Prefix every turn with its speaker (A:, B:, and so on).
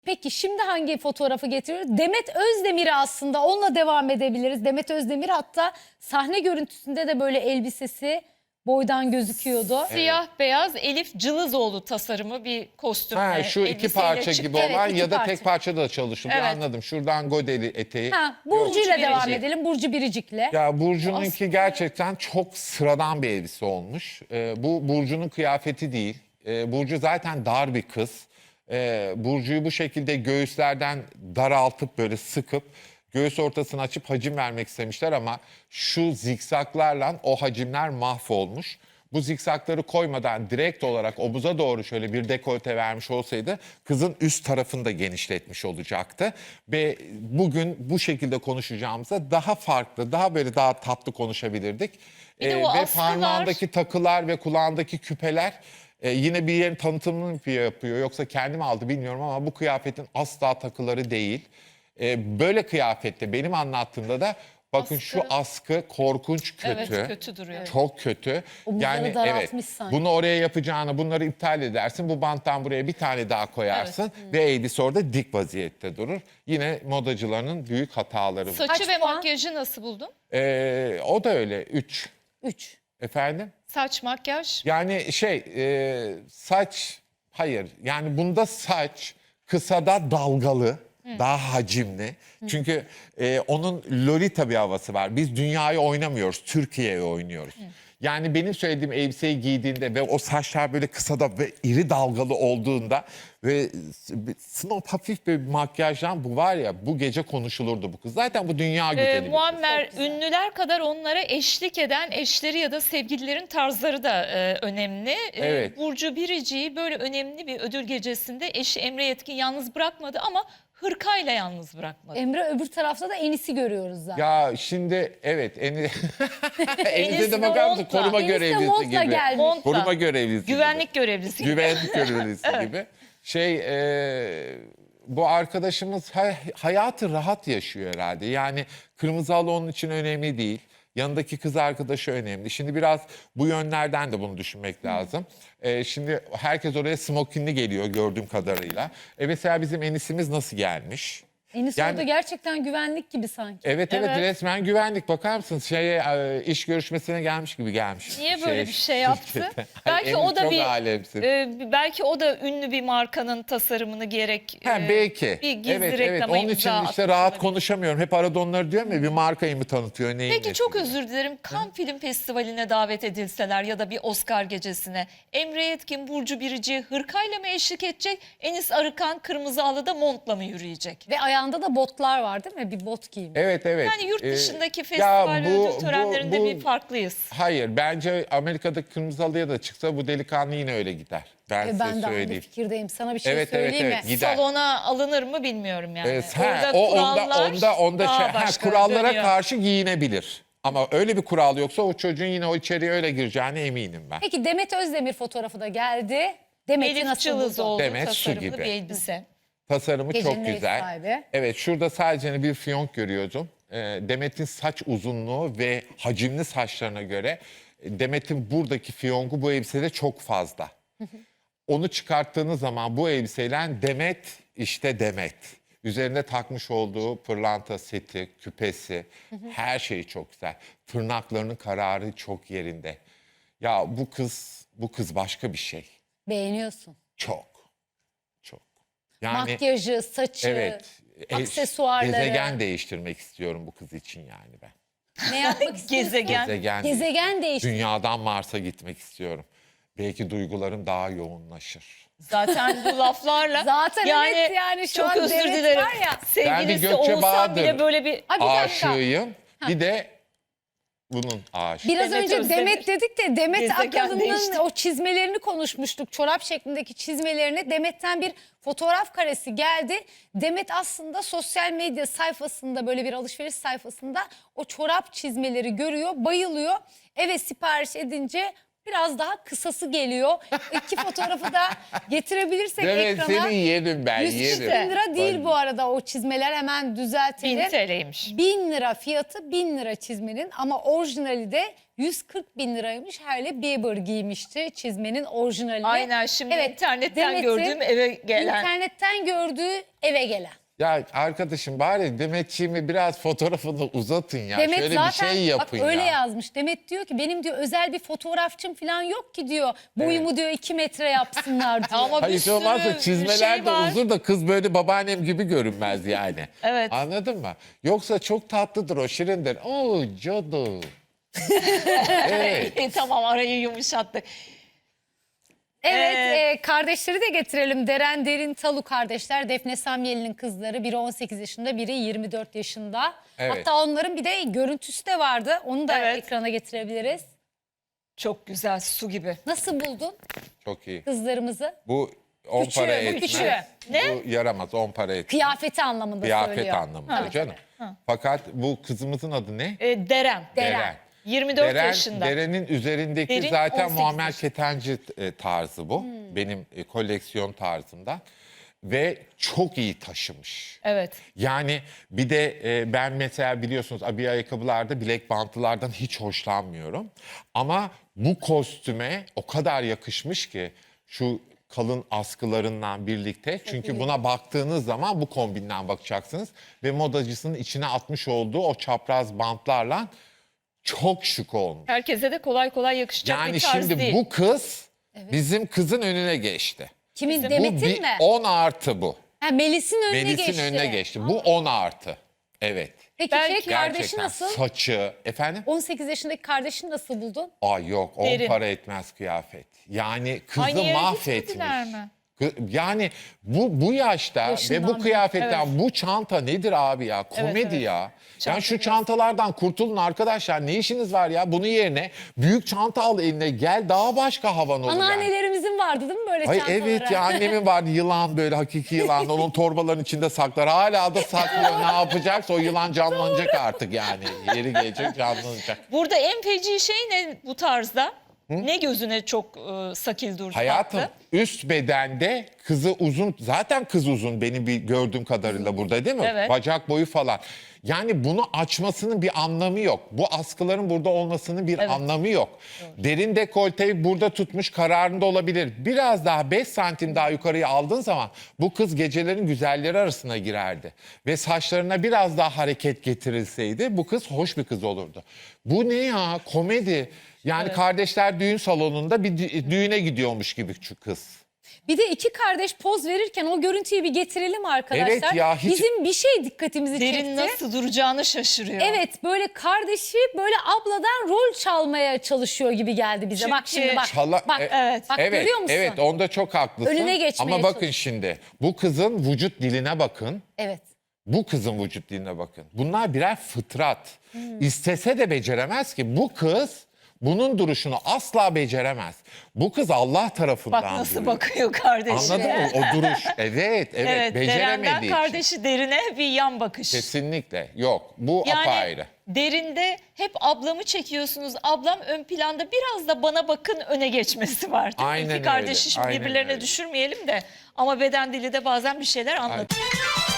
A: Peki şimdi hangi fotoğrafı getiriyoruz? Demet Özdemir'i aslında onunla devam edebiliriz. Demet Özdemir hatta sahne görüntüsünde de böyle elbisesi boydan gözüküyordu.
B: Siyah beyaz Elif Cılızoğlu tasarımı bir kostüm.
C: Ha, şu iki
B: elbiseyle
C: parça
B: çıktı.
C: gibi
A: Evet,
C: olan
A: iki
C: ya da
A: parça.
C: tek parçada da çalışılıyor,
B: Evet.
C: anladım. Şuradan godeli eteği.
A: Ha, Burcu'yla
B: Burcu
A: devam
B: Biricik.
A: edelim. Burcu Biricik'le.
C: Ya Burcu'nunki
A: Aslında-
C: gerçekten çok sıradan bir elbise olmuş. Bu Burcu'nun kıyafeti değil. Burcu zaten dar bir kız. Burcu'yu bu şekilde göğüslerden daraltıp böyle sıkıp göğüs ortasını açıp hacim vermek istemişler ama şu zikzaklarla o hacimler mahvolmuş. Bu zikzakları koymadan direkt olarak omuza doğru şöyle bir dekolte vermiş olsaydı kızın üst tarafını da genişletmiş olacaktı. Ve bugün bu şekilde konuşacağımızda daha farklı, daha tatlı konuşabilirdik.
B: Bir de o
C: Ve
B: askılar-
C: parmağındaki takılar ve kulağındaki küpeler yine bir yerin tanıtımını yapıyor. Yoksa kendim aldı bilmiyorum ama bu kıyafetin asla takıları değil. Böyle kıyafette benim anlattığımda da bakın
B: Askı.
C: şu askı korkunç kötü.
B: Evet, kötü duruyor.
C: Çok kötü.
A: Omuzları daraltmış sanki.
C: Bunu oraya yapacağını bunları iptal edersin. Bu banttan buraya bir tane daha koyarsın ve elbise orada dik vaziyette durur. Yine modacıların büyük hataları bu.
B: Saçı
A: Kaç
B: ve
A: puan?
B: makyajı nasıl buldun?
C: O da öyle 3.
A: 3.
C: Efendim?
B: Saç, makyaj.
C: Yani saç hayır yani bunda saç kısada dalgalı daha hacimli. Çünkü onun Lolita bir havası var. Biz dünyayı oynamıyoruz, Türkiye'yi oynuyoruz. Yani benim söylediğim elbiseyi giydiğinde ve o saçlar böyle kısada ve iri dalgalı olduğunda ve snob hafif bir makyajdan bu var ya bu gece konuşulurdu bu kız. Zaten bu dünya güzeli bir kız.
B: Muammer, ünlüler kadar onlara eşlik eden eşleri ya da sevgililerin tarzları da önemli.
C: Evet.
B: Burcu Biricik'i böyle önemli bir ödül gecesinde eşi Emre Yetkin yalnız bırakmadı ama hırkayla yalnız bırakmadı.
A: Emre öbür tarafta da Enis'i görüyoruz zaten.
C: Ya şimdi evet Enis'e de
B: de
C: bakar mısın?
B: montla.
C: Koruma
A: Enis de
C: görevlisi
A: montla
C: gibi.
A: gelmiş.
B: Montla.
C: Koruma görevlisi gibi.
B: Güvenlik görevlisi.
C: Güvenlik görevlisi gibi. Bu arkadaşımız hayatı rahat yaşıyor herhalde. Yani kırmızı halı onun için önemli değil. Yanındaki kız arkadaşı önemli. Şimdi biraz bu yönlerden de bunu düşünmek lazım. Şimdi herkes oraya smokinli geliyor gördüğüm kadarıyla. Mesela bizim Enis'imiz nasıl gelmiş?
A: Enis
C: Yani-
A: orada gerçekten güvenlik gibi sanki.
C: Evet
B: Evet.
C: resmen güvenlik. Bakar mısınız iş görüşmesine gelmiş gibi gelmiş.
B: Niye böyle bir şey yaptı?
C: şirkete.
B: Belki
C: Enis
B: o da
C: çok
B: bir
C: alemsin.
B: belki o da ünlü bir markanın tasarımını giyerek
C: Belki.
B: bir gizli
C: evet.
B: reklama
C: Onun için
B: imza
C: işte
B: atmış
C: rahat
B: olabilir.
C: konuşamıyorum. Hep arada onları diyorum ya bir markayı mı tanıtıyor neyin
B: Peki
C: nesi
B: çok
C: gibi.
B: özür dilerim. Cannes Film Festivali'ne davet edilseler ya da bir Oscar gecesine Emre Yetkin, Burcu Biricik'i hırkayla mı eşlik edecek? Enis Arıkan kırmızı halıda montla mı yürüyecek?
A: Ve ayağında da botlar var değil mi? Bir bot giymiş.
C: Evet.
B: Yani yurt dışındaki festival ve ödül törenlerinde bir farklıyız.
C: Hayır bence Amerika'da kırmızı halıya da çıksa bu delikanlı yine öyle gider. Ben size
A: Ben de aynı
C: söyleyeyim.
A: fikirdeyim. Sana bir şey
C: Evet,
A: söyleyeyim mi?
C: gider.
B: Salona alınır mı bilmiyorum yani.
C: Onda
B: daha başka
C: kurallara
B: dönüyor.
C: karşı giyinebilir. Ama öyle bir kural yoksa o çocuğun yine o içeriye öyle gireceğine eminim ben.
A: Peki Demet Özdemir fotoğrafı da geldi. Demet'i
B: Elif
A: nasıl buldun?
B: Cılızoğlu
C: Demet su
B: tasarımlı
C: gibi.
B: bir elbise.
C: Tasarımı
A: Gecenin
C: çok
A: ev
C: güzel.
A: sahibi.
C: Evet şurada sadece bir fiyonk görüyordum. Demet'in saç uzunluğu ve hacimli saçlarına göre Demet'in buradaki fiyonku bu elbisede çok fazla. Onu çıkarttığınız zaman bu elbiseyle Demet işte Demet. Üzerinde takmış olduğu pırlanta seti, küpesi, her şeyi çok güzel. Tırnaklarının kararı çok yerinde. Ya bu kız başka bir şey.
A: Beğeniyorsun.
C: Çok. Yani
A: Makyajı, saçı,
C: evet.
A: aksesuarları.
C: Gezegen değiştirmek istiyorum bu kız için yani ben.
A: Ne yapmak istiyorsun?
B: Gezegen.
A: Gezegen değişti.
C: Dünyadan Mars'a gitmek istiyorum. Belki duygularım daha yoğunlaşır.
B: Zaten bu laflarla
A: Zaten evet yani şu
B: çok
A: an
B: özür
A: Demet
B: dilerim.
A: var ya.
B: Sevgilisi
C: Gökçe
B: olsam
C: Bahadır.
B: bile böyle bir
A: Abi bir dakika.
C: Aşığıyım. Bir de bunun aşığı.
A: Biraz
B: Demet
A: önce
B: Özdemir.
A: Demet dedik de Demet
B: Gezegen
A: Akalın'ın
B: değişti.
A: o çizmelerini konuşmuştuk. Çorap şeklindeki çizmelerini. Demet'ten bir fotoğraf karesi geldi. Demet aslında sosyal medya sayfasında böyle bir alışveriş sayfasında o çorap çizmeleri görüyor, bayılıyor. Eve sipariş edince biraz daha kısası geliyor. İki fotoğrafı da getirebilirsek
C: Demet
A: ekrana.
C: seni yerim ben
A: 140 bin
C: yerim.
A: lira değil bu arada o çizmeler, hemen
B: 1000
A: düzeltelim.
B: TL'ymiş.
A: 1000 lira fiyatı, 1000 lira çizmenin, ama orijinali de 140 bin liraymış. Hailey Bieber giymişti çizmenin orijinalini.
B: Aynen, şimdi internetten
A: Demet'in
B: gördüğüm eve gelen.
A: İnternetten gördüğü eve gelen.
C: Ya arkadaşım bari Demetçiğimi biraz fotoğrafını uzatın ya.
A: Demet
C: Şöyle
A: zaten
C: bir şey yapın
A: bak öyle
C: ya.
A: yazmış. Demet diyor ki benim diyor özel bir fotoğrafçım falan yok ki diyor. Boyumu diyor 2 metre yapsınlar diyor.
B: Ama
C: Hayır
B: bir
C: hiç olmazsa
B: sürü
C: çizmeler
B: şey
C: de
B: var.
C: uzun da kız böyle babaannem gibi görünmez yani.
B: Evet.
C: Anladın mı? Yoksa çok tatlıdır o, şirindir. Oo cadı. Evet.
B: Tamam, arayı yumuşattık.
A: Evet, kardeşleri de getirelim. Deren Derin Talu kardeşler. Defne Samyeli'nin kızları. Biri 18 yaşında, biri 24 yaşında.
C: Evet.
A: Hatta onların bir de görüntüsü de vardı. Onu da
B: Evet.
A: ekrana getirebiliriz.
B: Çok güzel, su gibi.
A: Nasıl buldun
C: Çok iyi.
A: kızlarımızı?
C: Bu 10
A: Küçüğü,
C: para
A: bu
C: etmez.
A: küçüğü.
C: Bu yaramaz, 10 para etmez.
A: Kıyafeti anlamında
C: Kıyafet
A: söylüyor.
C: anlamında
A: Tabii,
C: canım. Fakat bu kızımızın adı ne?
B: Deren.
A: Deren.
B: 24 yaşında.
C: Deren'in üzerindeki
B: Derin
C: zaten
B: 18
C: Muammer
B: yaşında.
C: Ketenci tarzı bu. Benim koleksiyon tarzımdan. Ve çok iyi taşımış.
B: Evet.
C: Yani bir de ben mesela biliyorsunuz abiye ayakkabılarda bilek bantlılardan hiç hoşlanmıyorum. Ama bu kostüme o kadar yakışmış ki şu kalın askılarından birlikte. Çünkü buna baktığınız zaman bu kombinden bakacaksınız. Ve modacısının içine atmış olduğu o çapraz bantlarla çok şık olmuş.
B: Herkese de kolay kolay yakışacak
C: Yani
B: bir tarz
C: şimdi
B: değil.
C: bu kız bizim kızın önüne geçti.
A: Kimin?
C: Bu
A: Demet'in
C: bir
A: mi?
C: 10 artı bu.
A: Ha, Melis'in önüne
C: Melis'in
A: geçti.
C: önüne geçti. Bu 10 artı. Evet.
A: Peki
B: Belki
A: kardeşi
C: Gerçekten.
A: nasıl?
C: Saçı. Efendim?
A: 18 yaşındaki kardeşini nasıl buldun?
C: Ay yok 10
B: Derin.
C: para etmez kıyafet. Yani kızı
B: Aynı yere
C: mahvetmiş.
B: gitmediler mi?
C: Yani bu yaşta
A: Yaşından
C: ve bu
A: beri.
C: kıyafetten bu çanta nedir abi ya? Komedi
B: evet.
C: ya.
B: Çanta
C: Yani şu
B: biraz.
C: çantalardan kurtulun arkadaşlar. Ne işiniz var ya? Bunun yerine büyük çanta al eline, gel, daha başka havan olur yani.
A: Anneannelerimizin vardı değil mi böyle
C: Ay
A: çantaları?
C: evet ya, annemin vardı yılan, böyle hakiki yılan, onun torbaların içinde saklar. Hala da saklıyor. Ne yapacaksa o yılan canlanacak artık yani. Yeri gelecek canlanacak.
B: Burada en feci şey ne bu tarzda? Ne gözüne çok sakil durdu?
C: Hayatım
B: baktı?
C: üst bedende kızı uzun, zaten kız uzun benim bir gördüğüm kadarıyla burada değil mi?
B: Evet.
C: Bacak boyu falan. Yani bunu açmasının bir anlamı yok. Bu askıların burada olmasının bir anlamı yok. Derin dekolteyi burada tutmuş, kararında olabilir. Biraz daha 5 santim daha yukarıya aldığın zaman bu kız gecelerin güzelleri arasına girerdi. Ve saçlarına biraz daha hareket getirilseydi bu kız hoş bir kız olurdu. Bu ne ya, komedi. Yani kardeşler düğün salonunda bir düğüne gidiyormuş gibi şu kız.
A: Bir de iki kardeş poz verirken o görüntüyü bir getirelim arkadaşlar.
C: Evet ya, hiç-
A: Bizim bir şey dikkatimizi
B: Derin
A: çekti.
B: nasıl duracağını şaşırıyor.
A: Evet, böyle kardeşi böyle abladan rol çalmaya çalışıyor gibi geldi bize. Bak
B: Çünkü
A: şimdi bak.
C: Çala-
A: bak,
B: evet.
A: bak
C: Evet,
A: görüyor musun?
C: evet onda çok haklısın.
A: Önüne geçmeye
C: Ama bakın
A: çalışıyor.
C: şimdi bu kızın vücut diline bakın.
A: Evet.
C: Bu kızın vücut diline bakın. Bunlar birer fıtrat.
A: Hmm.
C: İstese de beceremez ki. Bu kız bunun duruşunu asla beceremez. Bu kız Allah tarafından
B: Bak nasıl
C: duruyor.
B: bakıyor kardeşine.
C: Anladın mı? O duruş. Evet,
B: Evet, Deren'den
C: beceremediği için.
B: kardeşi Derine bir yan bakış.
C: Kesinlikle yok. Bu
B: Yani
C: apayrı.
B: Derinde hep ablamı çekiyorsunuz. Ablam ön planda, biraz da bana bakın öne geçmesi var. Değil mi?
C: Aynen
B: İki kardeşi
C: öyle,
B: şimdi
C: aynen
B: birbirlerine
C: öyle.
B: düşürmeyelim de. Ama beden dili de bazen bir şeyler anlatıyor.